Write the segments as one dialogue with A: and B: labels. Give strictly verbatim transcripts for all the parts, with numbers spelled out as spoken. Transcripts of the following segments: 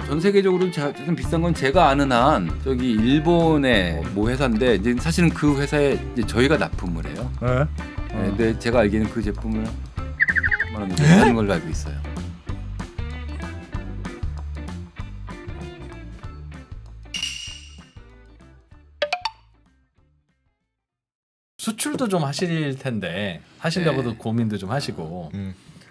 A: 전 세계적으로 좀 비싼 건 제가 아는 한 저기 일본의 모 회사인데 이제 사실은 그 회사에 이제 저희가 납품을 해요.
B: 네.
A: 네, 근데 제가 알기에는 그 제품을 만 원 정도 하는 걸로 알고 있어요.
C: 수출도 좀 하실 텐데 하시려고도
A: 네.
C: 고민도 좀 하시고
B: 음.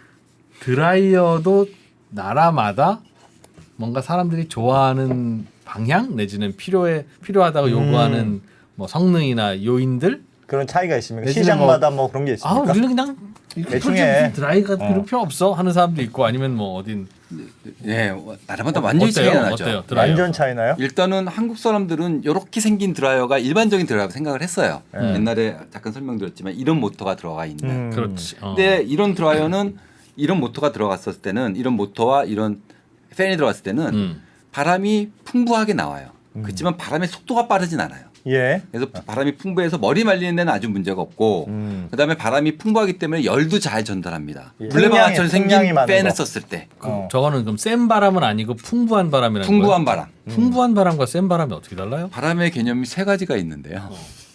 C: 드라이어도 나라마다 뭔가 사람들이 좋아하는 방향 내지는 필요해 필요하다고
B: 음.
C: 요구하는 뭐 성능이나 요인들
B: 그런 차이가 있습니까?
C: 내지는
B: 시장마다 뭐, 그런 게
C: 아
B: 있습니까?
C: 우리는 그냥
B: 대충 해.
C: 드라이가
B: 어.
C: 필요 필요 없어 하는 사람도 있고 아니면 뭐 어딘
A: 예, 나라마다 완전히
C: 어때요?
A: 차이가 나죠.
C: 어때요? 드라이어.
B: 완전 차이나요?
A: 일단은 한국 사람들은 이렇게 생긴 드라이어가 일반적인 드라이어라고 생각을 했어요.
B: 음.
A: 옛날에 잠깐 설명드렸지만 이런 모터가 들어가 있는.
B: 음.
C: 그렇지. 어.
A: 근데 이런 드라이어는 이런 모터가 들어갔을 때는 이런 모터와 이런 팬이 들어갔을 때는
C: 음.
A: 바람이 풍부하게 나와요. 그렇지만 바람의 속도가 빠르진 않아요.
B: 예.
A: 그래서 바람이 풍부해서 머리 말리는 데는 아주 문제가 없고
B: 음.
A: 그다음에 바람이 풍부하기 때문에 열도 잘 전달합니다.
B: 예.
A: 물레방아처럼
B: 풍량이-
A: 생긴
B: 풍량이 많은
A: 팬을
B: 거.
A: 썼을 때
C: 그,
B: 어.
C: 저거는 그럼 센 바람은 아니고 풍부한 바람이라는
A: 풍부한
C: 거예요?
A: 바람.
C: 풍부한 바람과 센 바람이 어떻게 달라요?
A: 바람의 개념이 세 가지가 있는데요.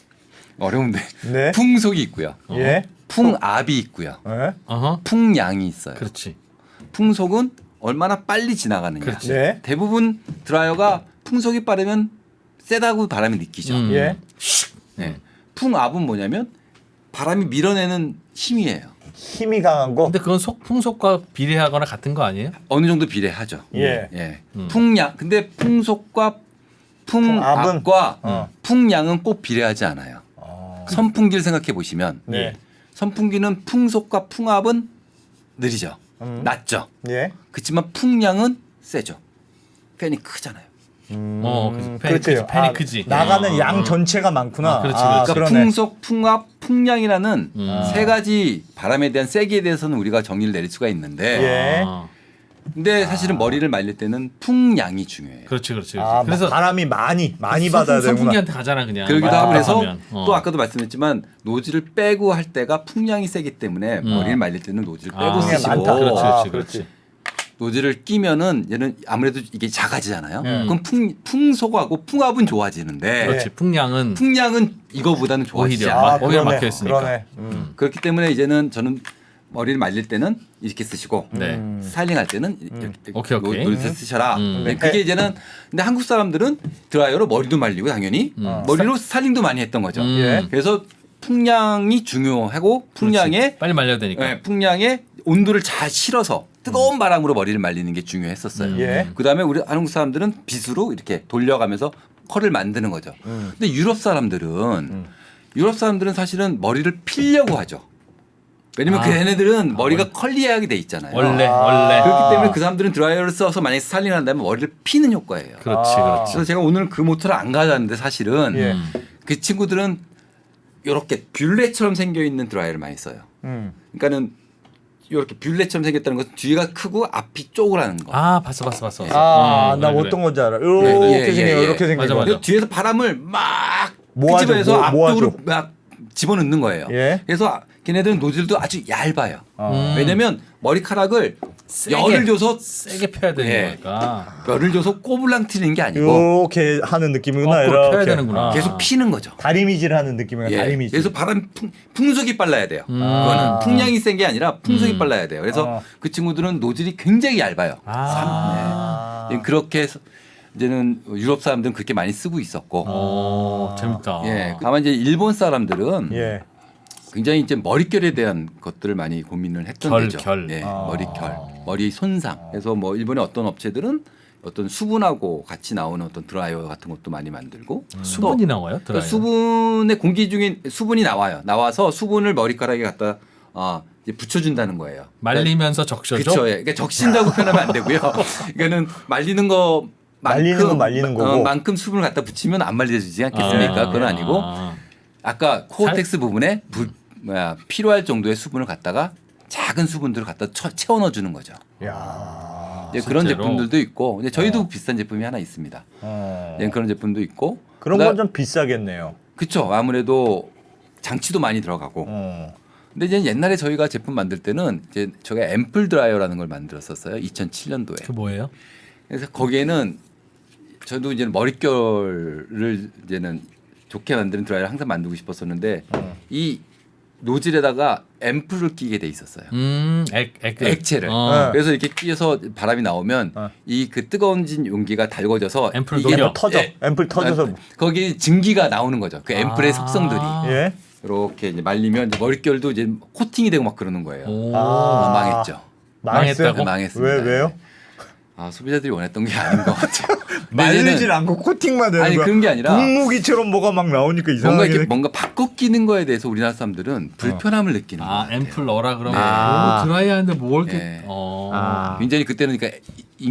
A: 어려운데
B: 네.
A: 풍속이 있고요.
B: 예.
A: 풍압이 있고요.
B: 예.
C: 어허.
A: 풍량이 있어요.
C: 그렇지.
A: 풍속은 얼마나 빨리 지나가느냐.
C: 그렇지.
B: 네.
A: 대부분 드라이어가 풍속이 빠르면 세다고 바람이 느끼죠.
C: 음.
B: 예.
A: 네. 풍압은 뭐냐면 바람이 밀어내는 힘이에요.
B: 힘이 강한 거.
C: 근데 그건 속 풍속과 비례하거나 같은 거 아니에요?
A: 어느 정도 비례하죠.
B: 예.
A: 예.
C: 음.
A: 풍량. 근데 풍속과
B: 풍압은?
A: 풍압과
B: 어.
A: 풍량은 꼭 비례하지 않아요.
B: 어.
A: 선풍기를 생각해 보시면
B: 네.
A: 선풍기는 풍속과 풍압은 느리죠.
B: 음.
A: 낮죠.
B: 예.
A: 그렇지만 풍량은 세죠. 팬이 크잖아요.
B: 음.
C: 어, 그래서 팬이 크지,
B: 그렇죠.
C: 팬이
B: 아,
C: 크지.
B: 나가는
C: 어,
B: 양
C: 어.
B: 전체가 많구나.
C: 아, 그렇지,
B: 아,
C: 그렇지.
A: 그러니까
B: 그러네.
A: 풍속, 풍압, 풍량이라는
C: 음.
A: 세 가지 바람에 대한 세기에 대해서는 우리가 정리를 내릴 수가 있는데
B: 예.
C: 아,
A: 근데 사실은 머리를 말릴 때는 풍량이 중요해요.
C: 그렇지, 그렇지. 그렇지.
B: 아,
C: 그래서
B: 바람이 많이 많이
C: 선-
B: 받아야 되구나.
C: 선풍기한테 가잖아 그냥.
A: 그러기도
C: 맞아,
A: 하고 그래서
C: 하면. 어.
A: 또 아까도 말씀했지만 노즐을 빼고 할 때가 풍량이 세기 때문에
C: 음.
A: 머리를 말릴 때는 노즐을 빼고
C: 아,
A: 쓰시고
B: 많다.
C: 그렇지,
B: 아,
C: 그렇지, 그렇지.
A: 노즐을 끼면은 얘는 아무래도 이게 작아지잖아요.
C: 음.
A: 그럼 풍, 풍속하고 풍압은 좋아지는데
C: 그렇지. 풍량은
A: 풍량은 이거보다는 좋아지지
C: 오히려.
A: 않아요.
C: 아, 오히려
B: 그러네.
C: 막혀 있으니까.
B: 그러네. 음.
A: 그렇기 때문에 이제는 저는 머리를 말릴 때는 이렇게 쓰시고
C: 네.
B: 음.
A: 스타일링할 때는 이렇게
C: 오케이, 오케이.
A: 노즐을 쓰셔라.
C: 음.
A: 네, 그게 이제는 근데 한국 사람들은 드라이어로 머리도 말리고 당연히
C: 음.
A: 머리로 스타일링도 많이 했던 거죠.
C: 음.
B: 예.
A: 그래서 풍량이 중요하고 풍량에
C: 그렇지. 빨리 말려야 되니까.
A: 네, 풍량에 온도를 잘 실어서 뜨거운 바람으로 머리를 말리는 게 중요했었어요.
C: 음.
B: 예.
A: 그다음에 우리 한국 사람들은 빗으로 이렇게 돌려가면서 컬을 만드는 거죠.
B: 음.
A: 근데 유럽 사람들은 유럽 사람들은 사실은 머리를 필려고 하죠. 왜냐면
C: 아.
A: 그 얘네들은 머리가 컬리하게 돼 있잖아요.
C: 원래
B: 아.
C: 원래.
A: 그렇기 때문에 그 사람들은 드라이어를 써서 만약에 스타일링을 한다면 머리를 피는 효과예요.
C: 그렇지,
B: 아.
C: 그렇지.
A: 그래서 제가 오늘 그 모터를 안 가져왔는데 사실은
B: 예.
C: 음.
A: 그 친구들은 이렇게 뷰레처럼 생겨 있는 드라이어를 많이 써요.
B: 음.
A: 그러니까는 이렇게 뷰레처럼 생겼다는 것은 뒤가 크고 앞이 쪼그라는 거.
C: 아, 봤어, 봤어, 봤어.
B: 아,
C: 음,
B: 나
C: 그래,
B: 어떤
C: 그래.
B: 건지 알아. 이렇게
A: 예, 예,
B: 생겨,
A: 예.
B: 이렇게 생겨.
C: 맞아, 맞아.
A: 그래서 뒤에서 바람을 막
B: 모아줘,
A: 끄집어내서
B: 모-
A: 앞쪽으로
B: 모아줘.
A: 막 집어넣는 거예요.
B: 예.
A: 그래서 걔네들은 노즐도 아주 얇아요.
B: 어.
A: 왜냐면 머리카락을
C: 세게,
A: 열을 줘서
C: 세게 펴야 되는
A: 예.
C: 거니까.
A: 열을 줘서 꼬불랑 튀는 게 아니고
B: 이렇게 하는 느낌이구나.
C: 거꾸로 펴야
B: 이렇게.
C: 되는구나.
B: 아.
A: 계속 피는 거죠.
B: 다리미질 하는 느낌이야.
A: 예.
B: 다리미질.
A: 그래서 바람 풍, 풍속이 빨라야 돼요.
C: 음.
A: 그거는 풍량이 센 게 아니라 풍속이
C: 음.
A: 빨라야 돼요. 그래서
B: 어.
A: 그 친구들은 노즐이 굉장히 얇아요.
C: 아.
A: 네. 그렇게 해서 이제는 유럽 사람들은 그렇게 많이 쓰고 있었고,
C: 오, 재밌다.
A: 예. 다만 이제 일본 사람들은
B: 예.
A: 굉장히 이제 머릿결에 대한 것들을 많이 고민을 했던
C: 결,
A: 거죠.
C: 결.
A: 예,
B: 아.
A: 머릿결, 머리 손상. 그래서 뭐 일본의 어떤 업체들은 어떤 수분하고 같이 나오는 어떤 드라이어 같은 것도 많이 만들고
C: 수분이 나와요?
A: 또
C: 드라이어.
A: 수분의 공기 중에 수분이 나와요. 나와서 수분을 머리카락에 갖다 어, 이제 붙여준다는 거예요.
C: 말리면서 적셔줘.
A: 그렇죠. 예. 그러니까 적신다고 표현하면 안 되고요. 그러니까는 말리는 거
B: 말리는 건 말리는 거고.
A: 어, 만큼 수분을 갖다 붙이면 안 말려지지 않겠습니까?
C: 아,
A: 그건 아니고
C: 아.
A: 아까 코어텍스 부분에 부, 뭐야, 필요할 정도의 수분을 갖다가 작은 수분들을 갖다 쳐, 채워 넣어주는 거죠.
B: 야.
A: 이제 그런
C: 실제로?
A: 제품들도 있고, 이제 저희도 비싼 제품이 하나 있습니다.
B: 어.
A: 이제 그런 제품도 있고,
B: 그런
A: 그다-
B: 건 좀 비싸겠네요.
A: 그쵸. 아무래도 장치도 많이 들어가고.
B: 어.
A: 근데 이제 옛날에 저희가 제품 만들 때는 이제 저희가 앰플 드라이어라는 걸 만들었었어요. 이천칠 년도에.
C: 그 뭐예요?
A: 그래서 거기에는 저도 이제 머릿결을 이제는 좋게 만드는 드라이어를 항상 만들고 싶었었는데
B: 어.
A: 이 노즐에다가 앰플을 끼게 돼 있었어요.
C: 음, 액, 액,
A: 액체를.
C: 어.
A: 그래서 이렇게 끼어서 바람이 나오면
B: 어.
A: 이 그 뜨거운진 용기가 달궈져서
C: 앰플을
A: 이게
C: 녹여.
B: 터져.
A: 예.
B: 앰플 터져서.
A: 아, 거기 증기가 나오는 거죠. 그 앰플의
C: 아.
A: 속성들이
B: 예.
A: 이렇게 이제 말리면 이제 머릿결도 이제 코팅이 되고 막 그러는 거예요.
C: 오.
B: 아.
A: 아, 망했죠.
B: 망했어요?
C: 망했다고?
A: 망했습니다.
B: 왜 왜요?
A: 아 소비자들이 원했던 게 아닌 것 같아요.
B: 말리질 않고 코팅만 되는
A: 아니
B: 거야.
A: 그런 게 아니라
B: 분무기처럼 뭐가 막 나오니까
A: 뭔가
B: 이상하게.
A: 이렇게 뭔가 바꿔 끼는 거에 대해서 우리나라 사람들은 불편함을 느끼는
C: 아,
A: 거예요.
C: 앰플 넣어라 그러면
A: 네.
C: 오, 드라이하는데 뭘 이렇게
A: 네.
C: 어.
B: 아.
A: 굉장히 그때는 그러니까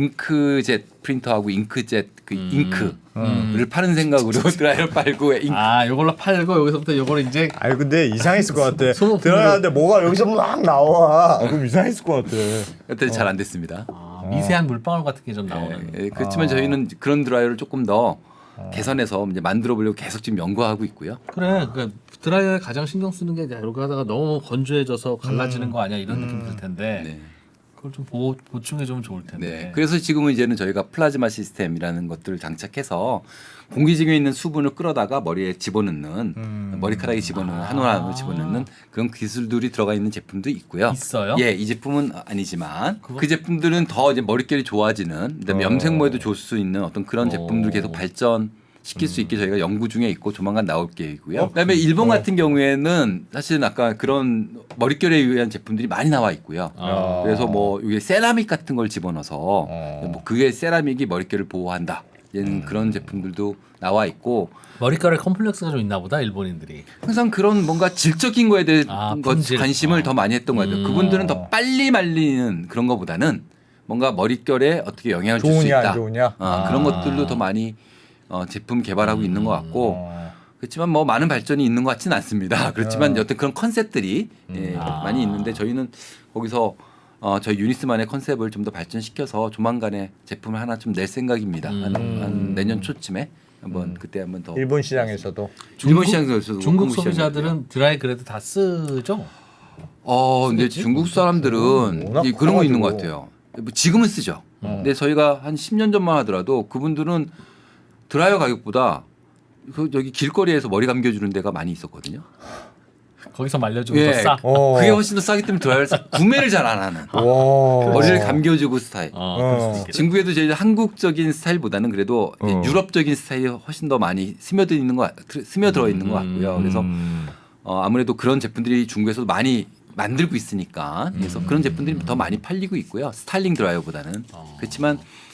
A: 잉크젯 프린터하고 잉크젯 그
C: 음.
A: 잉크를
C: 음.
A: 파는 생각으로 드라이어를 빨고 잉크
C: 아, 요걸로 팔고 여기서부터 요걸 이제
B: 아니 근데 이상했을 것 같아.
C: 소모품으로-
B: 들어가는데 뭐가 여기서 막 나와. 그럼 이상했을 것 같아.
A: 그때 잘 안 됐습니다.
C: 아, 미세한 물방울 같은 게 좀 나오는.
A: 예, 예, 그렇지만
B: 아.
A: 저희는 그런 드라이어를 조금 더 개선해서 이제 만들어 보려고 계속 지금 연구하고 있고요.
C: 그래, 그러니까 드라이어에 가장 신경 쓰는 게 이제 이렇게 하다가 너무 건조해져서 갈라지는 거 아니야 이런 느낌 들 텐데
A: 네.
C: 그걸 좀 보, 보충해 주면 좋을 텐데.
A: 네. 그래서 지금은 이제는 저희가 플라즈마 시스템이라는 것들을 장착해서 공기 중에 있는 수분을 끌어다가 머리에 집어넣는
B: 음.
A: 머리카락에 집어넣는 한 올 한 올 집어넣는 그런 기술들이 들어가 있는 제품도 있고요.
C: 있어요?
A: 예, 이 제품은 아니지만
C: 그거?
A: 그 제품들은 더 이제 머릿결이 좋아지는 그다음에
B: 어.
A: 염색모에도 좋을 수 있는 어떤 그런
C: 어.
A: 제품들 계속 발전. 시킬 수 있게 저희가 연구 중에 있고 조만간 나올 계획이고요.
B: 어,
A: 그다음에 일본
B: 어.
A: 같은 경우에는 사실은 아까 그런 머릿결에 의한 제품들이 많이 나와 있고요.
C: 아.
A: 그래서 뭐 이게 세라믹 같은 걸 집어넣어서
B: 어.
A: 뭐 그게 세라믹이 머릿결을 보호한다. 얘는 그런 제품들도 나와 있고
C: 머리카락에 컴플렉스가 좀 있나 보다 일본인들이.
A: 항상 그런 뭔가 질적인 거에 대해
C: 아,
A: 것
C: 품질.
A: 관심을
C: 어.
A: 더 많이 했던 것 같아요.
C: 음.
A: 그분들은 더 빨리 말리는 그런 거보다는 뭔가 머릿결에 어떻게 영향을 줄 수
B: 좋으냐
A: 있다.
B: 안 좋으냐.
A: 어,
B: 아.
A: 그런 것들도 더 많이 어, 제품 개발하고 있는 것 같고
B: 어.
A: 그렇지만 뭐 많은 발전이 있는 것 같지는 않습니다. 그렇지만
B: 어.
A: 여튼 그런 컨셉들이 예,
C: 아.
A: 많이 있는데 저희는 거기서 어, 저희 유니스만의 컨셉을 좀 더 발전시켜서 조만간에 제품을 하나 좀 낼 생각입니다. 한,
C: 음.
A: 한 내년 초쯤에 한번 그때 한번 더
B: 일본 시장에서도.
A: 일본 시장에서도
C: 중국
A: 한국 시장에서도.
C: 소비자들은 드라이 그래도 다 쓰죠.
A: 어, 근데
C: 쓰겠지?
A: 중국 사람들은
B: 워낙
A: 이 그런 거 있는 것
B: 커가지고.
A: 같아요. 뭐 지금은 쓰죠.
B: 어.
A: 근데 저희가 한 십 년 전만 하더라도 그분들은 드라이어 가격보다 그 저기 길거리에서 머리 감겨주는 데가 많이 있었거든요.
C: 거기서 말려주면
A: 예.
C: 더 싸.
B: 어.
A: 그게 훨씬 더 싸기 때문에 드라이어를 사- 구매를 잘 안 하는.
B: 와.
A: 머리를 감겨주고 스타일.
C: 어, 그럴 수도
B: 어.
C: 있겠다.
A: 중국에도 저희 한국적인 스타일보다는 그래도 이제
B: 어.
A: 유럽적인 스타일이 훨씬 더 많이 스며들 있는 것 같- 스며들어 있는 것 같고요. 그래서
B: 음.
A: 어, 아무래도 그런 제품들이 중국에서도 많이 만들고 있으니까 그래서 그런 제품들이 더 많이 팔리고 있고요. 스타일링 드라이어보다는
C: 어.
A: 그렇지만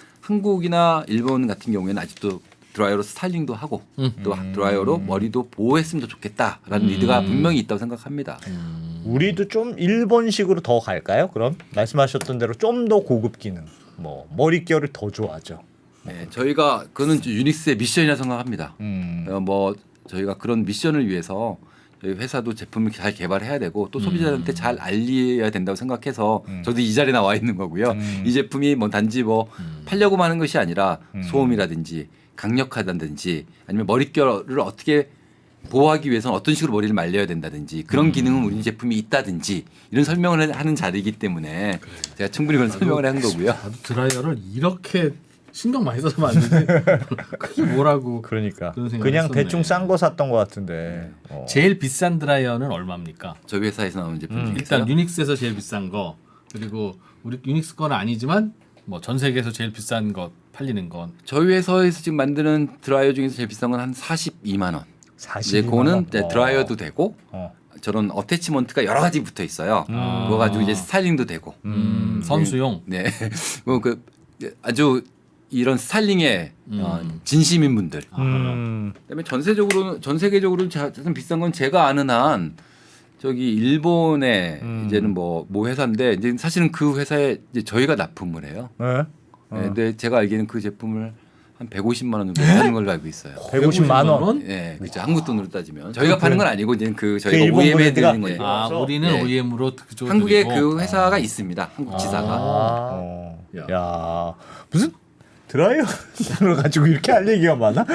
A: 한국이나 일본 같은 경우에는 아직도 드라이어로 스타일링도 하고
C: 음.
A: 또 드라이어로 머리도 보호했으면 더 좋겠다라는 리드가 분명히 있다고 생각합니다.
B: 우리도 좀 일본식으로 더 갈까요? 그럼 말씀하셨던 대로 좀 더 고급 기능, 뭐 머릿결을 더 좋아하죠.
A: 네, 저희가 그거는 유닉스의 미션이라 생각합니다.
B: 음.
A: 어, 뭐 저희가 그런 미션을 위해서 저희 회사도 제품을 잘 개발해야 되고 또 소비자한테 잘 알려야 된다고 생각해서
B: 음.
A: 저도 이 자리에 나와 있는 거고요.
B: 음.
A: 이 제품이 뭐 단지 뭐 팔려고만 하는 것이 아니라
B: 음.
A: 소음이라든지 강력하다든지 아니면 머릿결을 어떻게 보호하기 위해서는 어떤 식으로 머리를 말려야 된다든지 그런 기능은 우리 제품이 있다든지 이런 설명을 하는 자리이기 때문에 제가 충분히 그런 설명을 한 거고요.
C: 나도 드라이어를 이렇게 신경 많이 써서 만드는데 그게 뭐라고.
B: 그러니까
C: 그런 생각을
B: 그냥
C: 했었네.
B: 대충 싼 거 샀던 것 같은데. 어.
C: 제일 비싼 드라이어는 얼마입니까?
A: 저희 회사에서 나오는 제품
B: 음.
A: 중에서요.
C: 일단 유닉스에서 제일 비싼 거 그리고 우리 유닉스 건 아니지만 뭐 전 세계에서 제일 비싼 거 팔리는 건
A: 저희 회사에서 지금 만드는 드라이어 중에서 제일 비싼 건 한 사십이만 원. 이제
B: 사십이만
A: 그거는
B: 원?
A: 이제
B: 어.
A: 드라이어도 되고
B: 어.
A: 저런 어태치먼트가 여러 가지 붙어 있어요.
B: 음.
A: 그거 가지고 이제 스타일링도 되고.
C: 음, 선수용.
A: 네. 뭐 그 아주 이런 스타일링에
C: 음.
A: 어, 진심인 분들.
B: 음.
A: 그다음에 전세적으로는 전 세계적으로 가장 비싼 건 제가 아는 한 저기 일본의
B: 음.
A: 이제는 뭐 모 회사인데 이제 사실은 그 회사에 이제 저희가 납품을 해요.
B: 네?
A: 네,
B: 어.
A: 근데 제가 알기에는 그 제품을 한 백오십만 원 정도 하는 걸로 알고 있어요.
B: 백오십만 원.
A: 네, 그렇죠. 한국 돈으로 따지면 저희가 파는 건 아니고 이제 그 저희가
B: 일본
A: 오이엠에
B: 브랜드가?
A: 드리는 거예요.
C: 아,
B: 그래서,
C: 우리는
A: 네.
C: 오이엠으로 그쪽
A: 한국에
C: 드리고.
A: 그 회사가 있습니다. 한국 지사가.
B: 아. 어.
C: 야.
B: 야. 무슨 드라이어를 가지고 이렇게 할 얘기가 많아?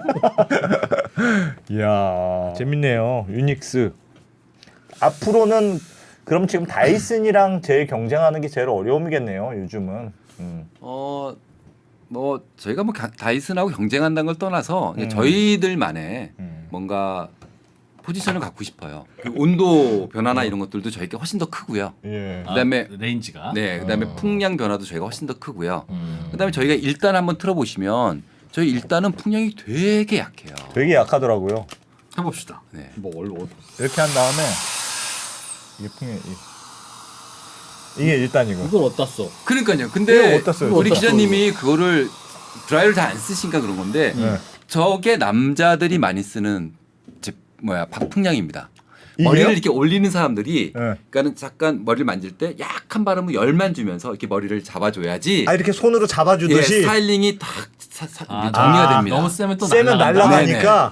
B: 이야 재밌네요. 유닉스 앞으로는 그럼 지금 다이슨이랑 제일 경쟁하는 게 제일 어려움이겠네요. 요즘은. 음.
A: 어 뭐 저희가 뭐 가- 다이슨하고 경쟁한다는 걸 떠나서
B: 음.
A: 저희들만의
B: 음.
A: 뭔가 포지션을 갖고 싶어요. 그 온도 변화나 이런 것들도 저희가 훨씬 더 크고요.
B: 예.
A: 그다음에
C: 아, 레인지가.
A: 네, 그다음에
B: 어.
A: 풍량 변화도 저희가 훨씬 더 크고요.
C: 음.
A: 그다음에 저희가 일단 한번 틀어보시면 저희 일단은 풍량이 되게 약해요.
B: 되게 약하더라고요.
C: 해봅시다.
A: 네.
C: 뭐 얼, 얼,
B: 이렇게 한 다음에 이게 풍이 이게 일단이고.
C: 이걸 어디다 써?
A: 그러니까요.
B: 이거
A: 근데
B: 어디다 써요?
A: 우리
C: 어디다
A: 기자님이 그거를 드라이를 잘 안 쓰시니까 그런 건데
B: 네.
A: 저게 남자들이 많이 쓰는 제 뭐야 박풍량입니다.
B: 이게요?
A: 머리를 이렇게 올리는 사람들이
B: 네.
A: 그러니까는 잠깐 머리를 만질 때 약한 바람으로 열만 주면서 이렇게 머리를 잡아줘야지
B: 아 이렇게 손으로
A: 예,
B: 잡아주듯이
A: 스타일링이 딱 사- 사-
C: 아,
A: 정리가
B: 아,
A: 됩니다.
C: 너무 세면 또
B: 세면
C: 날아간다.
B: 날아가니까.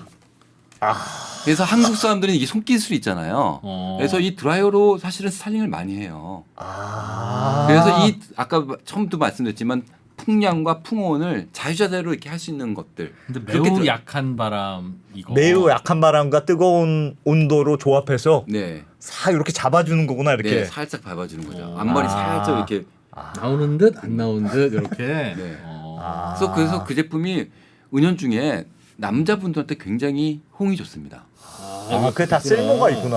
A: 그래서 한국 사람들은 이게 손기술이 있잖아요.
C: 어.
A: 그래서 이 드라이어로 사실은 스타일링을 많이 해요.
B: 아.
A: 그래서 이 아까 처음도 말씀드렸지만 풍량과 풍온을 자유자재로 이렇게 할 수 있는 것들.
C: 근데
A: 그렇게
C: 매우
A: 들어-
C: 약한 바람 이거.
B: 매우 약한 바람과 뜨거운 온도로 조합해서
A: 네,
B: 싹 이렇게 잡아주는 거구나 이렇게.
A: 네, 살짝 밟아주는 거죠.
C: 어.
A: 앞머리
B: 아.
A: 살짝 이렇게.
C: 나오는 듯 안 나오는 듯 이렇게.
A: 네.
C: 어.
B: 아.
A: 그래서 그래서 그 제품이 은연중에 남자분들한테 굉장히 호응이 좋습니다.
B: 아, 그게 다 쓸모가 있구나.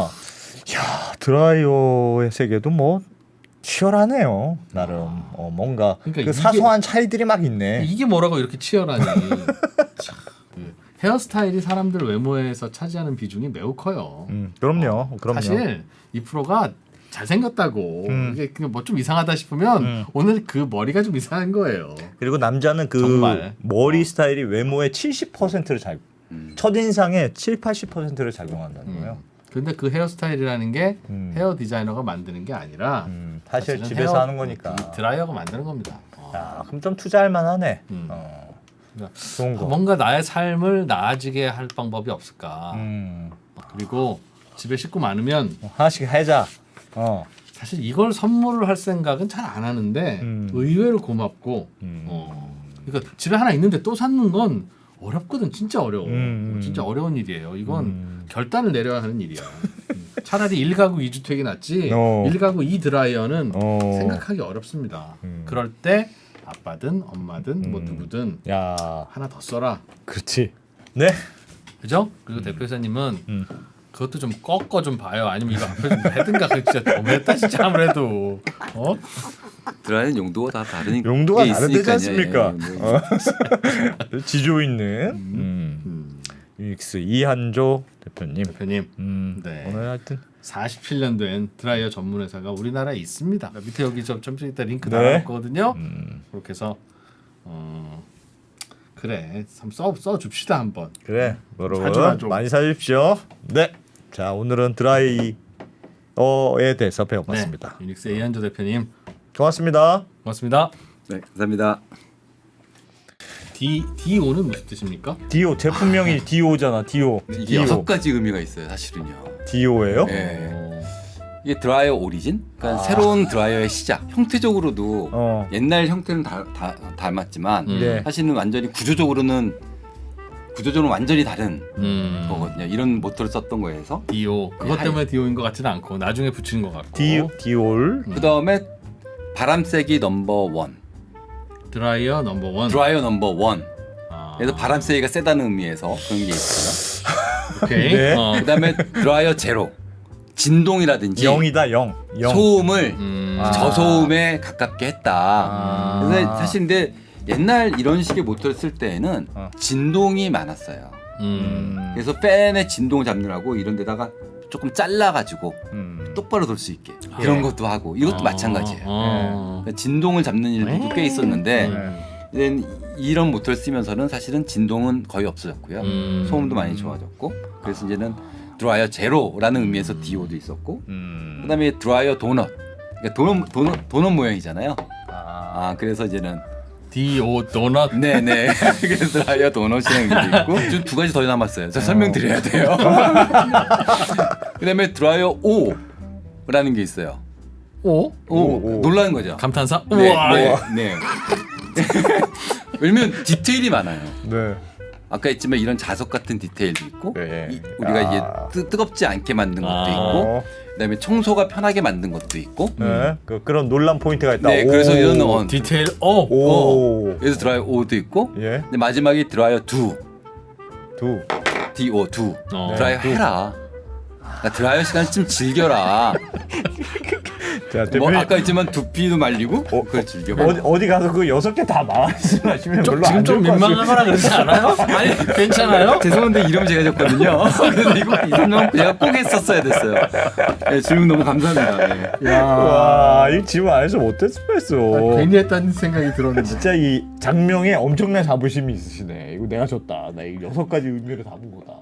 B: 야, 드라이어의 세계도 뭐 치열하네요. 나름 어, 뭔가
C: 그러니까
B: 그
C: 이게-
B: 사소한 차이들이 막 있네.
C: 이게 뭐라고 이렇게 치열하니? 참, 그 헤어스타일이 사람들 외모에서 차지하는 비중이 매우 커요.
B: 음, 그럼요, 그럼요.
C: 사실 이 프로가 잘생겼다고
B: 음.
C: 이게 그냥 뭐 좀 이상하다 싶으면
B: 음.
C: 오늘 그 머리가 좀 이상한 거예요.
B: 그리고 남자는 그
C: 정말.
B: 머리 스타일이 외모의 칠십 퍼센트를 잘
A: 음.
B: 첫인상의 칠, 팔십 퍼센트를 작용한다는 거예요.
C: 근데 그 헤어스타일이라는 게
B: 음.
C: 헤어 디자이너가 만드는 게 아니라
B: 음, 사실
C: 사실은
B: 집에서
C: 헤어-
B: 하는 거니까.
C: 이 드라이어가 만드는 겁니다. 어.
B: 야, 그럼 좀 투자할 만하네.
C: 음.
B: 어,
C: 그러니까
B: 좋은 거.
C: 뭔가 나의 삶을 나아지게 할 방법이 없을까?
B: 음,
C: 그리고 집에 식구 많으면
B: 하나씩 해자. 어,
C: 사실 이걸 선물을 할 생각은 잘 안 하는데
B: 음.
C: 의외로 고맙고
B: 음.
C: 어. 그러니까 집에 하나 있는데 또 사는 건 어렵거든. 진짜 어려워.
B: 음.
C: 진짜 어려운 일이에요. 이건
B: 음.
C: 결단을 내려야 하는 일이야. 음. 차라리 일 가구 이 주택이 낫지
B: 어.
C: 일 가구 이 드라이어는
B: 어.
C: 생각하기 어렵습니다.
B: 음.
C: 그럴 때 아빠든 엄마든 뭐
B: 음.
C: 누구든
B: 야,
C: 하나 더 써라.
B: 그렇지. 네.
C: 그죠? 그리고 대표이사님은
B: 음.
C: 그것도 좀 꺾어 좀 봐요. 아니면 이거 앞에 좀 해든가. 그 진짜 너무했다 진짜 아무래도. 어?
A: 드라이는 용도가 다 다르니까.
B: 용도가
A: 게
B: 다르지
A: 있으니까요.
B: 않습니까?
A: 예, 뭐.
B: 어. 지조 있는 음.
C: 음.
B: 유닉스 이한조 대표님.
C: 대표님
B: 음.
C: 네.
B: 오늘 하여튼
C: 사십칠 년 된 드라이어 전문 회사가 우리나라에 있습니다. 밑에 여기 좀, 좀 이따 링크
B: 네.
C: 달아놨거든요.
B: 음.
C: 그렇게 해서 어 그래 한번 써, 써 줍시다 한번.
B: 그래
C: 자주
B: 여러분
C: 하죠.
B: 많이 사주십시오. 네. 자 오늘은 드라이어에 대해서 배워봤습니다.
C: 네. 유닉스 이한조 대표님
B: 고맙습니다.
C: 고맙습니다.
A: 네, 감사합니다.
C: D 디오는 무슨 뜻입니까?
B: 디오 제품명이 디오잖아. 디오.
A: 이게 여섯 가지 의미가 있어요, 사실은요.
B: 디오예요?
A: 네.
C: 어,
A: 이게 드라이어 오리진, 그러니까
B: 아.
A: 새로운 드라이어의 시작. 형태적으로도
B: 어.
A: 옛날 형태는 다, 다 닮았지만
C: 음.
B: 네.
A: 사실은 완전히 구조적으로는 구조적으로 완전히 다른
C: 음.
A: 거거든요. 이런 모토를 썼던 거에서
C: 디오 그것
A: 네,
C: 때문에 디오인 것 같지는 않고 나중에 붙이는 것 같고.
B: 디 디올.
C: 음.
A: 그 다음에 바람세기 넘버 원,
C: 드라이어 넘버 원.
A: 드라이어 넘버 원.
C: 아.
A: 그래서 바람세기가 세다는 의미에서 그런 게 있어요.
C: 오케이.
B: 네.
C: 어.
A: 그 다음에 드라이어 제로, 진동이라든지
B: 영이다 영. 영.
A: 소음을
C: 음.
B: 아.
A: 저소음에 가깝게 했다.
B: 아.
A: 그래서 사실 근데 옛날 이런 식의 모터를 쓸 때에는
B: 어.
A: 진동이 많았어요.
C: 음.
A: 그래서 팬의 진동을 잡느라고 이런 데다가 조금 잘라가지고
B: 음.
A: 똑바로 돌 수 있게 이런
B: 예.
A: 것도 하고 이것도
C: 어,
A: 마찬가지예요.
C: 어.
A: 그러니까 진동을 잡는 일들도 꽤 있었는데
C: 음.
A: 이제는 이런 모터를 쓰면서는 사실은 진동은 거의 없어졌고요.
C: 음.
A: 소음도 많이 좋아졌고 그래서 이제는 드라이어 제로라는 의미에서 디오도 있었고
B: 음.
A: 그다음에 드라이어 도넛, 그러니까 도넛, 도넛, 도넛 모양이잖아요.
B: 아.
A: 아 그래서 이제는
C: 디오 도넛.
A: 네네 그래서 드라이어 도넛이라는 의미도 있고 지금 두 가지 더 남았어요. 저 설명드려야 돼요. 그다음에 드라이어 오라는 게 있어요.
C: 오?
A: 오,
B: 오, 오.
A: 놀라는 거죠.
C: 감탄사?
A: 네,
C: 우와.
A: 네, 네. 왜냐면 디테일이 많아요.
B: 네.
A: 아까 했지만 이런 자석 같은 디테일도 있고
B: 네.
A: 이, 우리가
B: 아.
A: 이제 뜨, 뜨겁지 않게 만든 것도
C: 아.
A: 있고
B: 어,
A: 그다음에 청소가 편하게 만든 것도 있고
B: 네. 그, 그런 논란 포인트가 있다.
A: 네
B: 오.
A: 그래서 이런 어,
C: 디테일 어.
B: 오.
A: 그래서 드라이어 오도 있고
B: 예.
A: 근데 마지막에 드라이어 두
B: 두.
A: 디오 두
C: 어.
A: 드라이어 해라. 나 드라이어 시간 좀 즐겨라.
B: 자,
A: 뭐
B: 대표님
A: 아까 했지만 두피도 말리고
B: 어,
A: 그걸 즐겨봐.
B: 어디, 어디 가서 그 여섯 개 다 말씀하시면
C: 좀,
B: 별로
C: 지금
B: 안
C: 좀
B: 좋을 것 같아요.
C: 민망하거나 그러지 않아요? 아니 괜찮아요?
A: 죄송한데 이름 제가 줬거든요. 그래서 이거 이 설명 제가 꼭 했었어야 됐어요. 네, 질문 너무 감사합니다. 네.
B: 와, 이 질문 안 해서 못했을 뻔했어.
C: 아, 괜히 했다는 생각이 들었는데.
B: 진짜 이 장명에 엄청난 자부심이 있으시네. 이거 내가 줬다. 나 이 여섯 가지 의미를 다 본 거다.